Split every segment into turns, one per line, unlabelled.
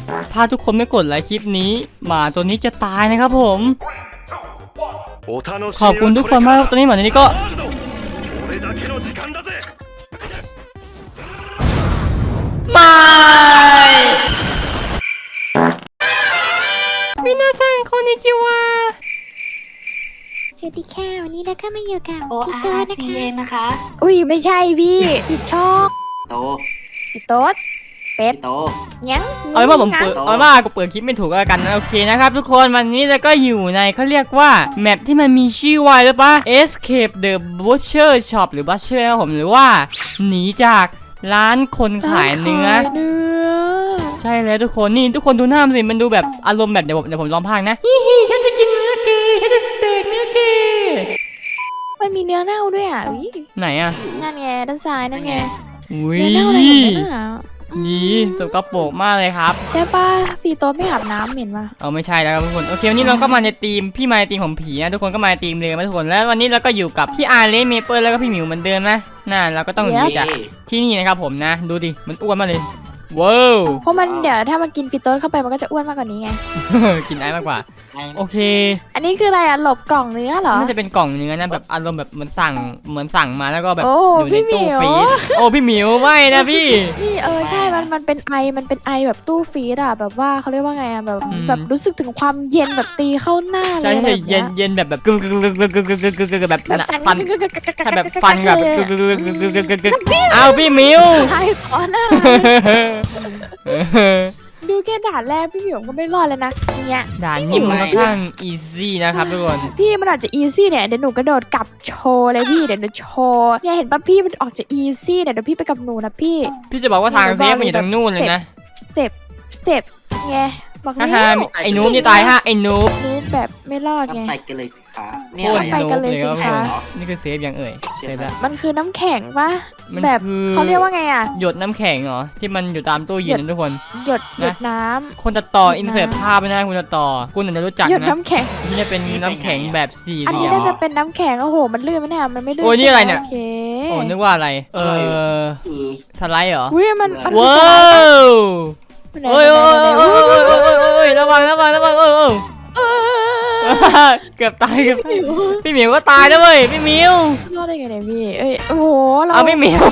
ถ้าทุกคนไม่กดไลค์คลิปนี้หมาตัวนี้จะตายนะครับผมขอบคุณทุกคนมากตอนนี้หมาตัวนี้ก็ไม่มินาซังคอนนิจิวะ
สวัสดีค่ะวันนี้นะคะมาอยู่กับ
ORCA นะคะ
อุ้ยไม่ใช่พี่ผิดช่อง
โต
พี่โต๊ดเป็ด
โต
ยัง
เอาเป็นว่าผมเปิดเอาเป็นว่ากูเปิดคลิปไม่ถูกแล้วกันนะโอเคนะครับทุกคนวันนี้เราก็อยู่ในเขาเรียกว่าแมปที่มันมีชื่อว่าหรือปะ Escape the Butcher Shop หรือ Butcher นะครับผมหรือว่าหนีจากร้านคนขายเนื้อใช่แล้วทุกคนนี่ทุกคนดูหน้ามันสิมันดูแบบอารมณ์แบบเดี๋ยวผมลองพากนะฮิฮิฉันจะกินเนื้อเกย์ฉันจะสเต็กเนื้อเกย์
มันมีเนื้อเน่าด้วยอ่ะอุ๊ย
ไหนอ่ะ
นั่นไงด้านซ้ายนั่นไง
อุ้ย
เนื้อเน่าอะไรอย่างเงี้ยน่ะ
นี่สกปรกมากเลยครับ
ใช่ป่ะพี่โต๊ดไม่อาบน้ำเหม็นป่ะ
เอาไม่ใช่แล้วครับทุกคนโอเควันนี้เราก็มาในทีมพี่มาในทีมของผีนะทุกคนก็มาในทีมเลยนะทุกคนแล้ววันนี้เราก็อยู่กับพี่อาร์เลนเมเปิลแล้วก็พี่หมิวเหมือนเดิมนะน่าเราก็ต้องหนีจากที่นี่นะครับผมนะดูดิมันอ้วนมากเลยว้าว
เพราะมันเดี๋ยวถ้ามันกินพี่โต๊ดเข้าไปมันก็จะอ้วนมากกว่านี้ไง
กินไอมากกว่าโอเค
อันนี้คืออะไรอ่ะหลบกล่องเนื้อเหรอ
น่าจะเป็นกล่องเนื้อนะแบบอารมณ์แบบเหมือนสั่งมาแล้วก็แบบ
โอ้
อยู่ใน
พี่หมิ
ตู้
ว
ฟรีซโอ้พี่หมิวไม่นะพี่
นี่ใช่มันเป็นไอแบบตู้ฟรีดอ่ะแบบว่าเขาเรียกว่าไงอ่ะแบบรู้สึกถึงความเย็นแบบตีเข้าหน้าเลย
ใช่
แบบ
เย็นแบบกึกแบบ
แบบสั่น
ฟันใช่แบบฟันแบบเอาพี่หมิว
ใช่ขอหน้าดูแค่ด่านแรกพี่หมิวก็ไม่รอดเลยนะเนี่ย
ด่านนี้มันค่อนข้างอีซี่นะครับทุกคน
พี่มันอาจจะอีซี่เนี่ยเดี๋ยวหนูกระโดดกลับโชว์เลยพี่เดี๋ยวหนูโชว์เนี่ยเห็นป่ะพี่มันออกจะอีซี่เนี่ยเดี๋ยวพี่ไปกับหนูนะพี่
พี่จะบอกว่าทางเซฟมันอยู่ทางนู่นเลยนะ
สเต็ปไงบอก
ฮ่า
แล้
ฮ่าว ไอ้นูบนี่ตายฮะไอ้นูบ
นูบแบบไม่รอด
ก็
ไง
ไปกันเลยสิคะเนี่
โค
ย
ต
อะไร
ร
อะ
นูบเลยครับ
ไปกันเลยสิคะ
นี่คือเซฟยังเอ่ยเซฟแล้ว
มันคือน้ำแข็งปะ
มัน
แบบ
คือ
เขาเรียกว่าไงอ่ะ
หยดน้ำแข็งเหรอที่มันอยู่ตามตู้เย็นนะทุกคน
หยด
นะ
น้
คนตัดต่ออินเสิร์ตภาพไม่ได้คุณตัดต่อคุณอาจจะรู้จัก
ำหยด
นะ
น้ำแข็ง
นี่จะเป็นน้ำแข็งแบบสี่เห
อัน
ลี่
นี้
ยม
น่าจะเป็นน้ำแข็งโอ้โหมันลื่นไหมเนี่ยมันไม่ลื่น
โอ้ยนี่อะไรเนี่ย
โอเค
โอ้นึกว่าอะไร
คือ
สไลด์เหรอ
อุ้ยมันคือ
ว้า
สไลด์ปะ
วโอ้ยระวังเกือบตายพี่หมิวก็ตายแล้วเว้ยพี่หมิว
รอดได้ไงเนี่ยพี่เอ้ยโอ้โหเรา
เอาพี่หมิว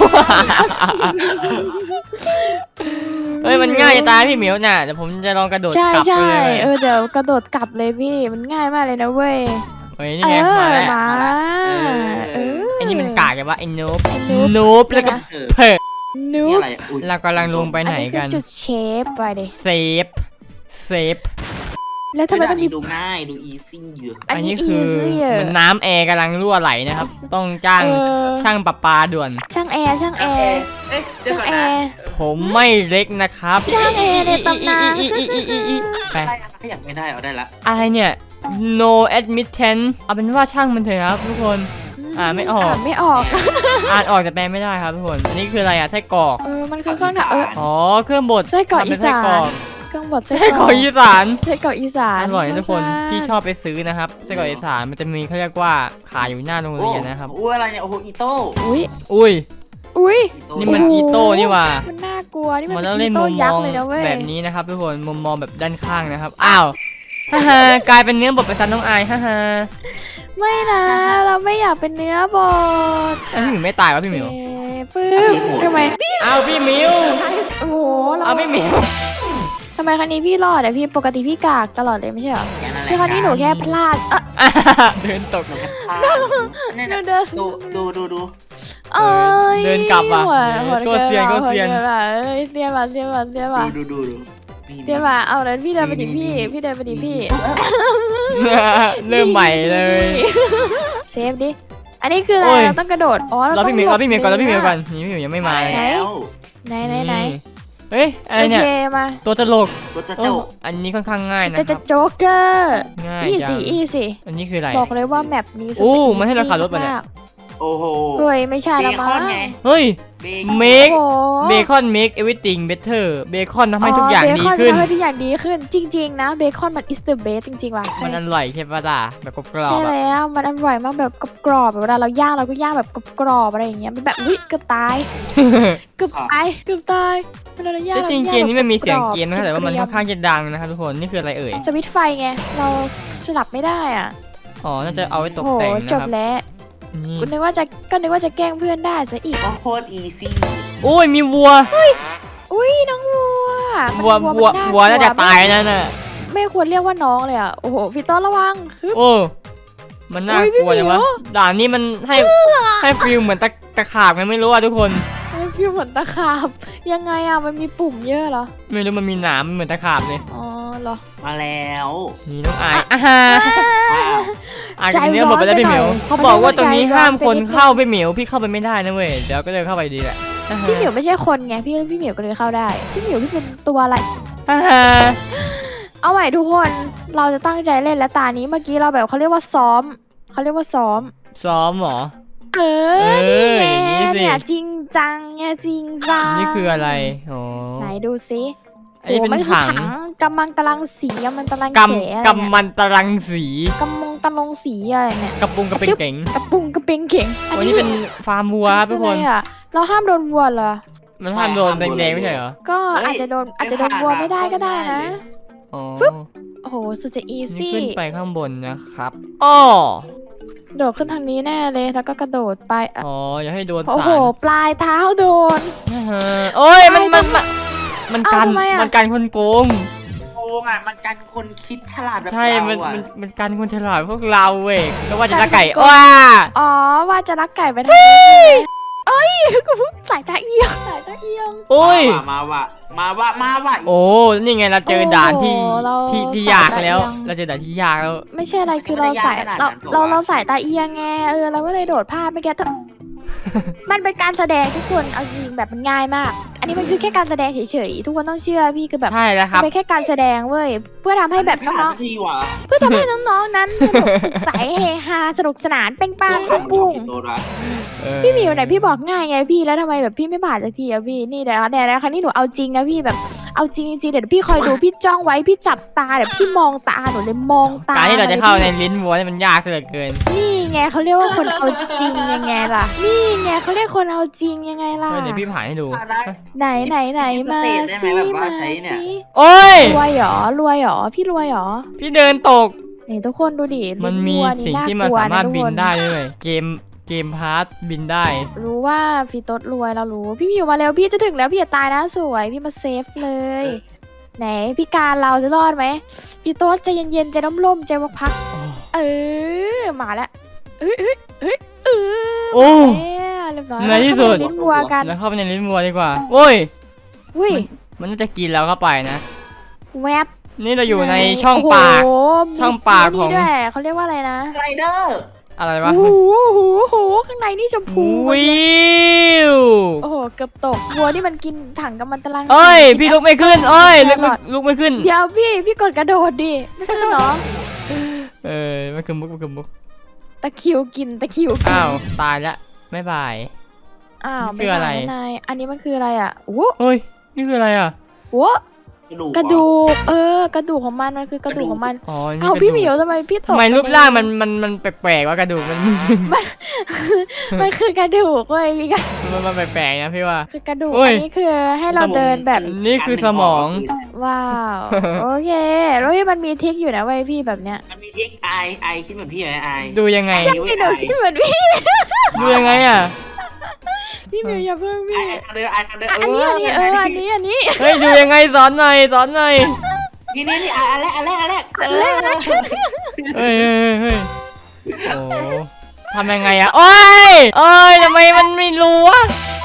เฮ้ยมันง่ายจะตายพี่หมิวน่ะเดี๋ยวผมจะลองกระโดด
ใช่
กลับไป
ใช่
เลย
เดี๋ยวกระโดดกลับเลยพี่มันง่ายมากเลยนะเว้ย
เฮ้ยนี่ไงมาแล้ว
มาเออ
ไอ้นี่มันกากกันวะไอ้นูบ
ไอ้นูบ
นูบแล้วก็
เออ
นู
นี่
บ
อะไรอุ้ย
เรากำลังลงไปไหนกัน
อัคือจุดเชฟไปดิ
เซฟ
แล้วทำไมต้องมี
ดูง่ายดูอีซี่เยอะ
อัน
อัน
นี้
นี้คือ
easy อะ
เหมือนน้ำแอร์กำลังรั่วไหลนะครับต้องจ้าง
เออ
ช่างประปาด่วน
ช่างแอร์
เอ๊ะเดี๋ยว
ช่าง
ก่อน
แอ
นะ
ร์
ผมไม่เล็กนะครับ
ช่างแอร์ในตำนาน
ไป
ขยับไม่ได้เอาได้ละ
อะไรเนี่ย no admittance เอาเป็นว่าช่างมันเถอะครับทุกคน ไม่ออก
อ่านไม่ออก
อ่านออกแต่แปลไม่ได้ครับทุกคน อันนี้คืออะไรอะไส้กรอก
มันคือเครื่องหนัก
อ๋อเครื่องบด
ไส้กรอก
ทำเป็
อี
นไส้
สาน
กรอก
เครื่องบด
ไส้กรอกอีสาน
ไส้กรอกอีสาน
อร่อยนะทุกคน
มาก
พี่ชอบไปซื้อนะครับไส้กรอกอีสานมันจะมีเขาเรียกว่าขายอยู่หน้าโรงเรียนนะครับ
อุ้ยอะไรเนี่ยโอ้โหอีโต้
อุ้ย
อุ้ย
อุ้ย
นี่มันอีโต้นี่หว่า
มันน่ากลัวนี่
มั
มัน น
ต้อง
เป็
เล่
น
น
อี
มุ
โต้
มม
ยัก
อง
ษ์เลยนะเว้ย
แบบนี้นะครับทุกคนมุมมองแบบด้านข้างนะครับอ้าวฮ่าฮ่ากลายเป็นเนื้อบดไปซันน้องอายฮ่าฮ่า
ไม่นะเราไม่อยากเป็นเนื้อบด
พี่หมิวไม่ตายวะพี่หมิว
ปึ๊บทำไม
เอาพี่หมิว
โอ้โหเรา
เอาพี่หมิว
ทำไมครั้งนี้พี่รอดอะพี่ปกติพี่กากตลอดเลยไม่ใช่เหรอ
อย่างนั้นแหละ
คือครั้งนี้หนูแค่พลาด
เดินตก
หนูแค่พลาดเนี่ยนะ
เดิน
ดู
เอ้ย
เดินกลับว่ะ
หัว
โคตรเซียนโคตรเซียน
หัวเอ้ยเซียนว่ะเซียนว่ะเซียนว่ะ
ดู
เซียนว่ะเอาเลยพี่เดินไปดิพี่พี่เดินไปดิพี่
เริ่มใหม่เลย
เซฟดิอันนี้คืออะไร
โอ้ย
เราต้องกระโดดอ๋อเรา
เรา
ต้อง
พี่หมิวเราพี่หมิวก่อนเราพี่หมิวก่อน
ห
นี่พี่หมิวยังไม่มาเลย
แล้ว
ไหน
เฮ้ยอะไร
โอ
เนี่ย
เคมา
ตัวตลก
ตัวจะ
โอ้
เจ้า
อันนี้ค่อนข้างง่ายนะ
จะ
ครับ
โจ๊กเกอร์
ง่าย
อี
จั
สี่
ง
อีสี่
อันนี้คืออะไร
บอกเลยว่าแมปนี้สุด
โอ้
จะ
มันให้เราขับรถปะเนี่ย
มาก
โอ้โห
เฮ้ยไม่ใช่
เบ
ละ
ค
มั้
อน
ง
ไง
เฮ้ย
เบ
เม
โอ้
ค
โห
เบคอน make everything better เบคอนทำให้ทุกอย่างดี
เบคอน
ขึ้น
ทำให้ทุกอย่างดีขึ้น จริง ๆ นะเบคอนมัน is the best จริงๆว่ะ
มันอร่อยใช่ปะล่ะแบบกรอบ
ใช่
ๆอะ
แล้วมันอร่อยมากแบบกรอบๆแบบเวลาเราย่างเราก็ย่างแบบกรอบๆอะไรอย่างเงี้ยมันแบบอุ๊ยเกือบตายเกือบตายเกือบตายเวลาเราย่าง
แต่จริงเกมนี้มันมีเสียงเกมนะครับแต่ว่ามัน
เกรี
ค่
ย
อนข้างจะดังนะครับทุกคนนี่คืออะไรเอ่ย
สวิตช์ไฟไงเราสลับไม่ได้อ่ะ
อ๋อน่าจะเอาไว้ตก
โอ้โห
แต่ง
จ
นะ
บ
ครับ
แล้ว
นี่
ก็นึกว่าจะแกล้งเพื่อนได้ซะอีก
ก็โคตรอีซี่
โอ้ยมีวัว
อุ้ยน้องวัว
วัว
มัน
วัวน่าจะตายนั่นน่ะ
ไม่ควรเรียกว่าน้องเลยอ่ะโอ้โหพี่ต้นระวังฮึบ
โอ้มันน่ากลัว
โอ้ยพี่
จังวะ
หมิว
ด่านนี้มันให้ฟีลเหมือนตะขาบไงไม่รู้อะทุกคน
มันฟีลเหมือนตะขาบยังไงอ่ะมันมีปุ่มเยอะเหรอ
ไม่รู้มันมีหนามเหมือนตะขาบเลย
อ๋อเหรอ
มาแล้ว
นี่น้องอายอ่ะฮะ
ว้าว
อ่านกันเนื้อหมดไปแล้วพี่เหมียวเขาบอกว่าตรงนี้ห้ามคนเข้าพี่เหมียวพี่เข้าไปไม่ได้นะเว้ยเดี๋ยวก็เดินเข้าไปดีแหละอ่ะฮะ
พี่เหมียวไม่ใช่คนไงพี่เหมียวก็เลยเข้าได้พี่เหมียวพี่เป็นตัวอะไร
อ่ะฮะ
เอาใหม่ทุกคนเราจะตั้งใจเล่นและตานี้เมื่อกี้เราแบบเขาเรียกว่าซ้อมเขาเรียกว่าซ้อม
ซ้อมเหรอ
เออ
อ
นี่ไง
อย่างนี้สิ
เนี่ยจริงจังไงจริงจัง
นี่คืออะไรอ๋อ
ไหนดูซิ
อันนี้เป็น
โมั
ถัง
กำมังตรังสีกำมังตรัง
ก
เสอะไร
ำกำมันตรังสี
กำมงตะลงสีอะไรเนี่ย
กระปุงกระเปงเก๋ง
กระปุงกระเปงเข่ง
วันนี้เป็นฟาร์มวัวครับทุกคน
ออะไรอะเราห้ามโดนวัวเหรอ
มันห้ามโดนแดงๆไม่ใช่เหรอ
ก็อาจจะโดนวัวไม่ได้ก็ได้นะ
อ๋อ
โอ้โหสุดจะอี
นี่
ซี่
ขึ้นไปข้างบนนะครับอ้อ
โดดขึ้นทางนี้แน่เลยแล้วก็กระโดดไปอะ
อ๋ออย่าให้โดน
โอ้
สา
โห
ร
ปลายเท้าโดน
อ่าฮะโอ้ยมัน
ไป
มัน
เอ้า
กัน
ทำไมอะ
มันกันคนโกง
โกงอ่ะมันกันคนคิดฉลาดแบบ
ใช่
เรา
มัน
อ่ะ
มันกันคนฉลาดพวกเราเว้ยก็ว่าจะละไก่
กันคนโกง
ว้า
อ๋อว่าจะรักไก่ไปทางนี้เอ้ยกูสายตาเอียงสายตาเอียง
โอ้ย
มาว่ะ
โอ้นี่ไงเราเจอด่านที่
โอ้โหเรา
ที่
สาย
ยาก
ตา
แล้ว
เอียง
เราเจอด่านที่ยากแล้ว
ไม่ใช่อะไรคือเราสายเราสายตาเอียงไงเราก็เลยโดดพลาดไปแก มันเป็นการแสดงทุกคนเอาจริงแบบมันง่ายมาก อันนี้มันคือแค่การแสดงเฉยๆทุกคนต้องเชื่อพี่คือแบบ
ใช่แล้วครับ
เป็นแค่การแสดงเว้ยเพื่อทำให้แบบ
ไม่
น้
หา
อง
สักทีว่ะ
ๆเพื่อทำให้น้องๆนั้นสนุกสุขใสเฮฮาสนุกสนานเป้งปัง
ตัว
ปุ้ง
ขำ
ปุ้ง
สิตัวรัก
พี่หมิวไหนพี่บอกง่ายไงพี่แล้วทำไมแบบพี่ไม่ผ่านสักทีอะพี่นี่เดี๋ยวครั้งนี้หนูเอาจริงนะพี่แบบเอาจริงๆเดี๋ยวพี่คอยดูพี่จ้องไว้พี่จับตาเดี๋ยวพี่มองตาหนูเลยมองตา
การที่เราจะเข้าใน
ลย
ลิ้นวัวนี่มันยากซะเหลือเกิน
นี่ไงเขาเรียกว่าคนเอาจริงยังไงล่ะ นี่ไงเขาเรียกคนเอาจริงยังไงล่ะ
เดี๋ยวพี่ผ่านให้ดู
ผ่านได้
ไหนมาสิ
แบบว่า
มา
ใช้เนี่ย
สิ
โอ้ย
รวยเหรอพี่รวยเหรอ
พี่เดินตก
นี่ทุกคนดูดิ
มันมี
วัว
สิ่งที่มัน
กลัว
สามารถ
ะทุก
บิ
คน
ได้ด้วยเกมพาร์ทบินได้
รู้ว่าฟีโต้รวยเรารู้ พี่อยู่มาเร็วพี่จะถึงแล้วพี่อย่าตายนะสวยพี่มาเซฟเลย ไหนพี่การเราจะรอดไหมพี่โต๊ดใจเย็นๆใจร่มๆใจพักๆเออมาแล้วเอ้ยเออ
โอ้
เรียบร้อย
ในที่สุด
เข้าไปในลิ้นวัวกัน
แล้วเข้าไปในลิ้นวัวดีกว่าโอ้ย
อุ้ย
มันน่าจะกินเราเข้าไปนะ
แวบ
นี่เราอยู่ในช่องปาก
โอ้โห
ช่องปากของ
มีด้วยเขาเรียกว่าอะไรนะ
ไรเดอร์
อะไรวะ
โอ้โหข้างในนี่ชมพู
วิว
โอ้โหเกือบตกวัวนี่มันกินถังกับมันตาราง
เอ้ย
สี
พี่ลุกไม่ขึ้นเอ้ย
แครอท
ลุกไม่ขึ้น
เดี๋ยวพี่กดกระโดดดิไม่ใช่เหรอ
มันคือมุก
ตะคริวกินตะคริวกิน
อ้าวตายละบ๊ายบาย
อ้าว
นี่คืออะไร
ม่ด้นายอันนี้มันคืออะไรอ่ะโอ้
เฮ้ยนี่คืออะไรอ่ะ
โหกระดูกกระดูกของมันคือกระดูกของมัน
อ๋อนี่
เอา
กระ
พี่
ดูก
หมิวทำไมพี่ตก
ทำไมรูปร่างมันแปลกๆว่ากระดูกมัน
มันคือกระดูกเว้ยพี่กัน
มันแปลกๆนะพี่ว่า
คือกระดูก
เฮ้ย
อันนี้คือให้เราเดินแบบ
นี่คือสมอง
ว้าวโอเคแล้วมันมีทริคอยู่นะเว้ยพี่แบบเนี้ย
มันมีเทคไอคิดเหมือนพี่ไหมไอ
ดูยังไง
ใช่หนูคิดเหมือนพี่
ดูยังไงอ่ะ
พี่หมิวอย่าเพิ่ง
ไอ
พี่
ทางเดินไอทางเดิน
อันนี้อันนี้
เฮ้ยดูยังไงสอนหน่อย
นี่อันแรก
เฮ้ยโอ้ทำยังไงอ่ะโอ้ยทำไมมันไม่รู้วะ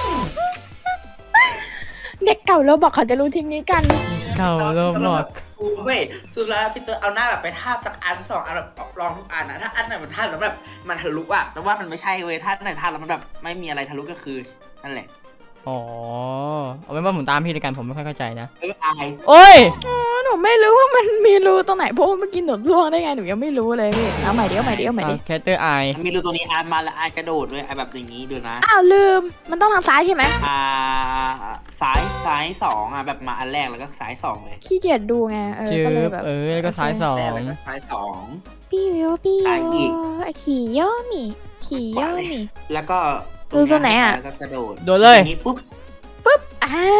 เด็กเก่าเราบอกเขาจะรู้ทริคนี้กัน
เก่าโลบอก
กูเว้ยสุดแล้วพี่เตอร์เอาหน้าแบบไปทาบสักอัน2 อันแบบลองทุกอันนะถ้าอันไหนมันทาบแล้วแบบมันทะลุอ่ะแปลว่ามันไม่ใช่เว้ยถ้าอันไหนทาบแล้วมันแบบไม่มีอะไรทะลุก็คือนั่นแหละ
อ๋อเอาเป็นว่าผมตามพี่ในการผมไม่ค่อยเข้าใจนะ
ไอ
โอ้ย
หนูนูไม่รู้ว่ามันมีรูตรงไหนเพราะว่าเมื่อกี้หนูล่วงได้ไงหนูยังไม่รู้เลยพี่เอาใหม่ดิเอาใหม่ดิเอาใหม่ดิ
แคทเตอร์ไอ
มีรูตัวนี้อาร์มาแล้วอาร์กระโดดด้วยอาร์แบบอย่างนี้ด้วยนะ
อ้าวลืมมันต้องทางซ้ายใช่ไหม
ซ้ายสองอ่ะแบบมาอันแรกแล้วก็ซ้ายสองเลย
ขี้เกียจดูไง
จื
ก็เลย
บ
แบบ
แล้วก็ซ้ายสอง
แรกแล้วก็ซ้ายสอง
พี่วิวพี่
ซ้ายอี
วิ
ก
วขี่ย่อหมีขี่ย่อหมี
แล้วก็
รูตัวไหนอะ
แล้วก็กระโดด
โดดเลย
างนี้ปุ๊บ
อ้าว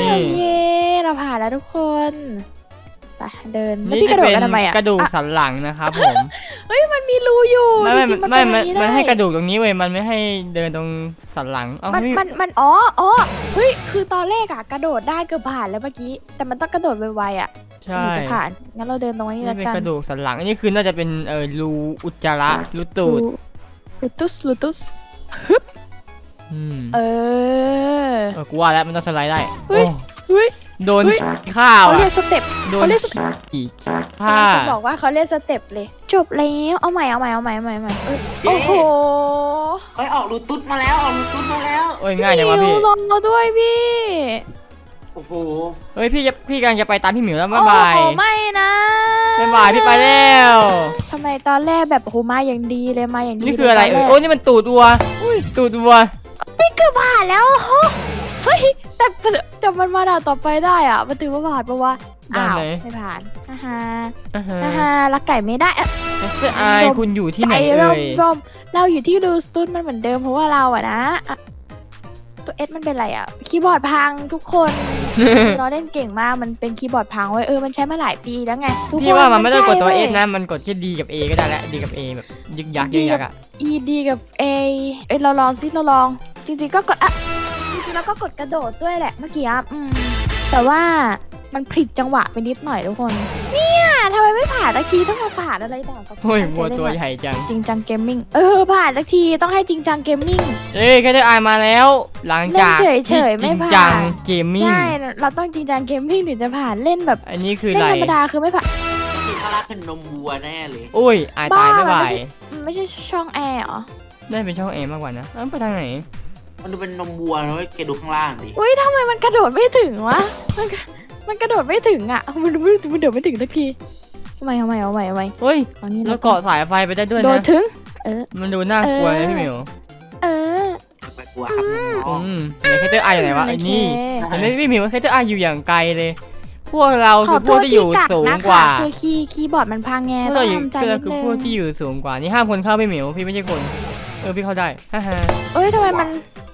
นี่
เย้เราผ่านแล้วทุกคนไปเดินแล้ว
นี่
พี่ก
จะ
ระโดด
เป็น
กันทำไมอ่ะ
กระดูก
อ่ะ
สันหลังนะครับผม
เฮ้ยมันมีรูอยู่
ไม่
จริงๆ
ไม่
เป็นอย่าง
มันให้
ด้
กระดูกตรงนี้เว้ยมันไม่ให้เดินตรงสันหลังเอ้า
มัน
พี่
มันอ๋อเฮ้ยคือตอนแรกอะกระโดดได้เกือบผ่านแล้วเมื่อกี้แต่มันต้องกระโดดไวๆอะ
ใช่
ถึงจะผ่านงั้นเราเดินตรงนี้
นี่
แล้ว
เป็น
กัน
กระดูกสันหลังอันนี้คือน่าจะเป็นรูอุจจาระรูตูด
ลูตุส
อืม
อ
กูว่าแล้วมันต้องสไลด์ได้
เฮ้ย
โอ้
เฮ้ย
โดน
เฮ้ย
ข้าว
เขาเรี
อ่ะ
ยกสเต็ป
โดน
เขาเรียก
อีกผ้า
จะบอกว่าเขาเรียกสเต็ปเลย จบแล้วเอาใหม่โอ้โห
เฮ้ยออกรูตุ๊ดมาแล้วออกรูตุ๊ดมาแล้ว
โอ้ยง่ายจังวะพี่
รอเราด้วยพี่
โอ้โห
เฮ้ยพี่กำลังจะไปตามพี่หมิวแล้วบ๊ายบาย
โอ้โหไม่นะ
บ๊ายบายพี่ไปแล้ว
ทำไมตอนแรกแบบโอ้โหมาอย่างดีเลยมาอย่างดี
นี่คืออะไร
ตนแก
โอ้นี่มันตูดวัวตูดวัว
เกือบผ่านแล้วเฮ้ยแต่มันมาด่านต่อไปได้อ่ะมันถือว่าผ่านปะวะ
ด้าน
อ้าว
ไหน
ไม่ผ่านฮ่าฮ่า
อ่าฮะ
ฮ่าฮ่ารักไก่ไม่ได้อะ
แคสเตอร์ไอคุณอยู่ที่ไหน
ใจ
เอ่
ร่ม
ย
ร่มเราอยู่ที่รูสตูดมันเหมือนเดิมเพราะว่าเราอะนะอะตัวเอสมันเป็นไรอะคีย์บอร์ดพังทุกคนเราเล่นเก่งมากมันเป็นคีย์บอร์ดพังเว้ยมันใช้มาหลายปีแล้วไงทุกคน
พี่ว่ามันไม่ต้องกดตัว
ใช่
เอ
ว้ย
สนะมันกดแค่ดีกับเอก็ได้แล้วดีกับเอแบบยึกยักยึกยักอ่ะ
E D กับ A เราลองซิเราลอง จริงๆก็กดอ่ะจริงๆแล้วก็กดกระโดดด้วยแหละเมื่อกี้แต่ว่ามันผิดจังหวะไปนิดหน่อยทุกคน เนี่ยทำไมไม่ผ่านสักทีต้องมาผ่านอะไรต่างๆ
โอ้ยวัวตัวใหญ่จัง
จริงจังเกมมิ่งผ่านสักทีต้องให้จริงจังเกมมิ่ง
เอ้ยแคสเตอร์ไอมาแล้ว หลังจาก
เล่นเฉยๆ
ที่
ไม่
จริง
ผ่าน
จังเกมมิ่ง
ใช่เราต้องจริงจังเกมมิ่งถึงจะผ่านเล่นแบบ
อันนี้คือ
เล่
อะ
น
ไร
ธรรมดาคือไม่ผ่าน
ที่ข้างล่างเป็นนมวัวแน่เลย
โอ้ยอายตาย
บ้า
บ๊ายบาย
มันไม่ใช่ช่องแอร์เหรอ
ได้เป็นช่องเอมากกว่านะเอ้าไปทางไหน
มันดูเป็นนมวัวนะเว้ยแกดูข้างล่างดิ
อุ้ยทำไมมันกระโดดไม่ถึงวะมันกระโดดไม่ถึงอ่ะมันโดดไม่ถึงสักทีทำไม
เฮ้ย
เอานี่
แล้วเกาะสายไฟไปได้ด้วย
โดด
นะ
ถึง
มันดูน่ากลัวนะพี่หมิว
เออ
ไปกลัวครับน้อง
ไหนแคสเตอร์ไออยู่ไหนวะไอ้นี่
โอเค
เห็นไหมพี่หมิวแคสเตอร์ไออยู่อย่างไกลเลย พวกเรา
ข
คือ อพ
โท
วก
ษ
ที่อยู่
กัก
สูง
นะ
กว่า
คือคีย์บอร์ดมันพังไง
พวก
ต้อ
เรา
ง
อยู่
ทำใจ
ก็
นิด
คือ
นึง
พวกที่อยู่สูงกว่านี่ห้ามคนเข้าพี่หมิวพี่ไม่ใช่คนพี่เข้าได้ฮ่าฮ่า
เอ้ยทำไมมัน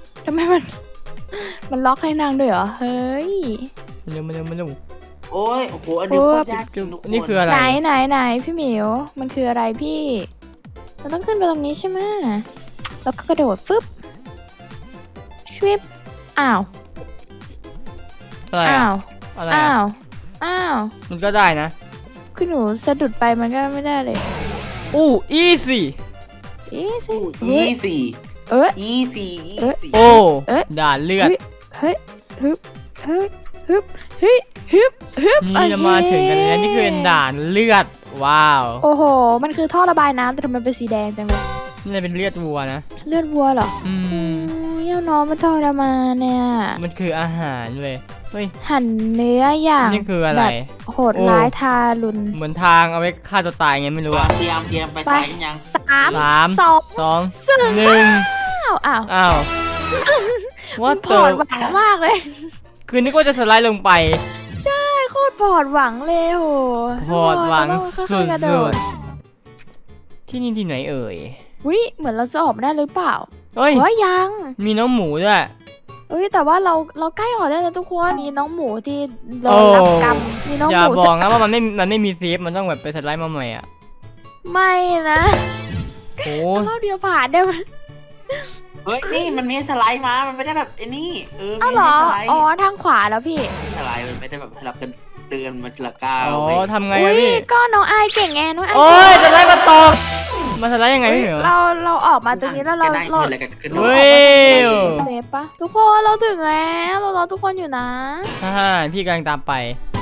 มันล็อกให้นางด้วยเหรอเฮ้ย
มันเร็วมันเร็วมันเร็ว
โอ้ยโอ้โหอันนี้โคตรยากจริงทุกคน
นี่คืออะไร
ไหนพี่หมิวมันคืออะไรพี่เราต้องขึ้นไปตรงนี้ใช่ไหมแล้วก็กระโดดฟึบชวิบอ้าว
อะไร
อ้า
อะ
ว
อะไร
อ้า
อะ
วอ้าว
มันก็ได้นะ
คือหนูสะดุดไปมันก็ไม่ได้เลย
อู้อีซี่
อีสิ
ยี่สี่
เอ้ย
ยี่สี่ยี่สี่
โอ้
เอ๊ะ
ด่านเลือด
เฮ้ยฮึบฮึบฮึบฮึบฮึบฮึบ
นี่เรามาถึงกันแล้วนี่คือด่านเลือดว้าว
โอ้โห มันคือท่อระบายน้ำแต่ทำไมเป็นสีแดงจังเลย
นี่เป็นเลือดวัวนะ
เลือดวัวเหรอ
อืม
เยี่ยวน้องมันทรมานเนี่ย
มันคืออาหารเว้ยเฮ้ย
หั่นเนื้ออย่าง
นี่คืออะไร
แบบโหดร้ายทารุณ
เหมือนทางเอาไว้ฆ่าตัวตายไงไม่รู้อะ
เตรียมไปซ้ายกันยัง
สาม
สาม
สอง
สอง
ซึ่ง
หนึ่ง
อ้าว
อ้าวว่า
ผ
เติ
อด
ม
หวังมากเลย
คือนึกว่าจะสไลด์ลงไป
โคตรผอดหวังเลยโห
พอดหวัง
แล้วก็
สุ
ค่อยๆกระโ
ดๆที่นี่ที่ไหนเอ่ย
วิเหมือนเราจะออกมาได้หรือเปล่า
เฮ้ย
เฮ้ยยัง
มีน้องหมูด้วย
เอ้ยแต่ว่าเราใกล้ออกได้แล้วทุกคนมีน้องหมูที่โด
โอ้
นรับกรรมมีน้อง
อ
ห
ย่า
มู
บอกนะว่ามันไม่มีเซฟมันต้องแบบไปสไลด์มาใหม่อ่ะ
ไม่นะ
โอ้
รอบเดียวผ่านได้ไหม
เฮ้ยนี่มันมีสไลด์มามันไม่ได้แบบไอ้นี่มี
อ้าวเหรอ
สไลด์
อ๋อทางขวาแล้วพี่
สไลด์มันไม่ได้แบบสลับกันเดินมาทีละก้าว
อ๋อ
เว้ย
ทำไง
อุ้
อะ
ย
พี่
ก็น้องไอายเก่งไงน้องไอาย
โอ้ยสไลด์มาตกมาสไลด์ยังไงพี่เหมียว
เราออกมาตรงนี้แล้วเรา
ก็ได้
เรา
อะไรกันกัน
เฮ้ย
เซฟปะทุกคนเราถึงแล้วเรารอทุกคนอยู่นะ
ฮ่าพี่กำลังตามไป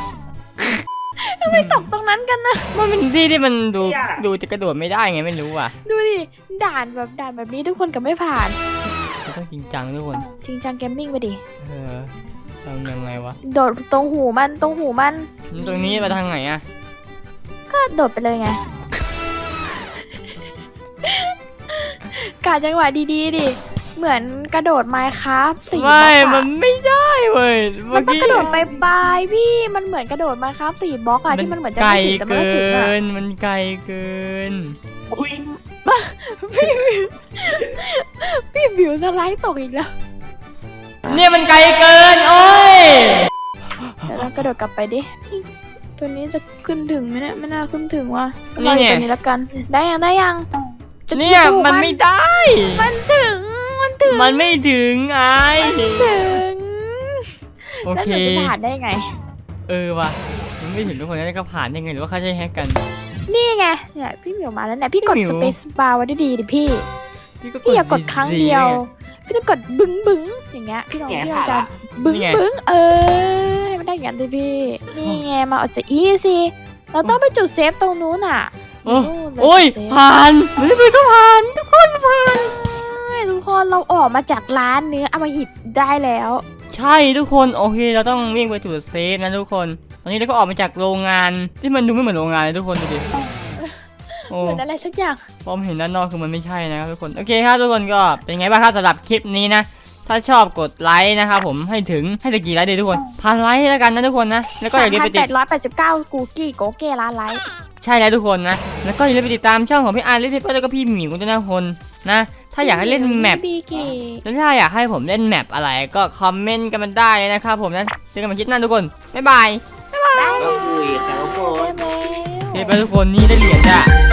ไม่ตกตรงนั้นกันนะ
มันเป็นที่ที่มันดูจะกระโดดไม่ได้ไงไม่รู้อ่ะ
ดูดิด่านแบบนี้ทุกคนก็ไม่ผ่าน
มันต้องจริงจังทุกคน
จริงจังเกมมิ่งไปดิ
เออทำยังไงวะ
โดดตรงหูมันตรงหูมัน
ตรงนี้ไปทางไหนอะ
ก็โดดไปเลยไง กะจังหวะดีๆดิเหมือนกระโดดไมค์ครับ4 บล็
ไม่
อก
มั
อะ
นไม่ได้เว้ย
มันต้องกระโดดไปปลายพี่มันเหมือนกระโดดไมค์ครับ4 บล็อกอะที่มันเหมือนจะ
ไกล
ไม่ถึงแต่มัน
เกิ
ก็ถึงอะ
น มันไกลเกิน
อุ้ย
พี่บิวสไลด์ตกอีกแล้ว
เนี่ยมันไกลเกิน โอ้ย
เดี๋ยวเรากระโดดกลับไปดิ ตัวนี้จะขึ้นถึงไหมเนี่ยไม่น่าขึ้นถึงว่ะ
นี่
รอ
ไง
อยู่ตัวนี้แล้วกัน ได้ยังจะ
เนี่ย
สู้
มันไม่ได้
มันถึง
มันไม่ถึงไอ้
ถึง
โอ
แล้ว
เค
หนูจะผ่านได้ไง
ว่ะ มันไม่ถึงทุกคนแล้วก็ผ่านยังไงหรือว่าเขาจะแฮกกัน
นี่ไงเนี่ยพี่หมิวมาแล้วเนี่ยพี่กด
พี่หมิ
ส
ว
เปซบาร์ไว้ดีๆดิพี่
ก็
พี่อย่ากดครั้งเดียว
ไ
พี่ต้องกดบึ้งบึ้งอย่างเงี้ยพี่ลองพี่ลองจะบึ้ง
นี่ไง
บึ้งให้มันได้อย่างนั้นดิพี่ นี่ไงมาเอาจะอีสิเราต้องไปจุดเซฟตรงนู้นอ่ะ
โอ้
นู่นเลย
โอ้ย
จุดเซฟ
ผ่านมันไม่เคยก็ผ่านทุกคนผ่าน
ใช่ทุกคนเราออกมาจากร้านเนื้ออมหิตได้แล้ว
ใช่ทุกคนโอเคเราต้องวิ่งไปจุดเซฟนะทุกคน ตอนนี้เราก็ออกมาจากโรงงานที่มันดูไม่เหมือนโรงงานเลยทุกคนดูดิโอ้
เหมือนอะไรสักอย่าง
พอมเห็นด้านนอกคือมันไม่ใช่นะครับทุกคนโอเคครับทุกคนก็เป็นไงบ้างครับสำหรับคลิปนี้นะ ถ้าชอบกดไลค์นะครับผมให้ถึงกี่ไลค์ดีทุกคน1,000 ไลค์แล้วกันนะทุกคนนะแล้วก็อย่าลืมไปติด
3,889กูกี้โกเก้ร้านไลท์
ใช่แล้วทุกคนนะแล้วก็อย่าลืมไปติดตามช่องของพี่อาร์เล่นเทปแล้วก็พี่หมิวด้วยนะคนนะถ้าอยากให้เล่นแมป
บีกี้
แล้วถ้าอยากให้ผมเล่นแมปอะไรก็คอมเมนต์กันมาได้เลยนะครับผมนะเจอกันใหม่คลิปหน้าทุกคนบ๊ายบาย
ก็คุยครับทุกคน
เซฟแล้ว
เทปไปทุกคนนี่ได้เหรียญจ้ะ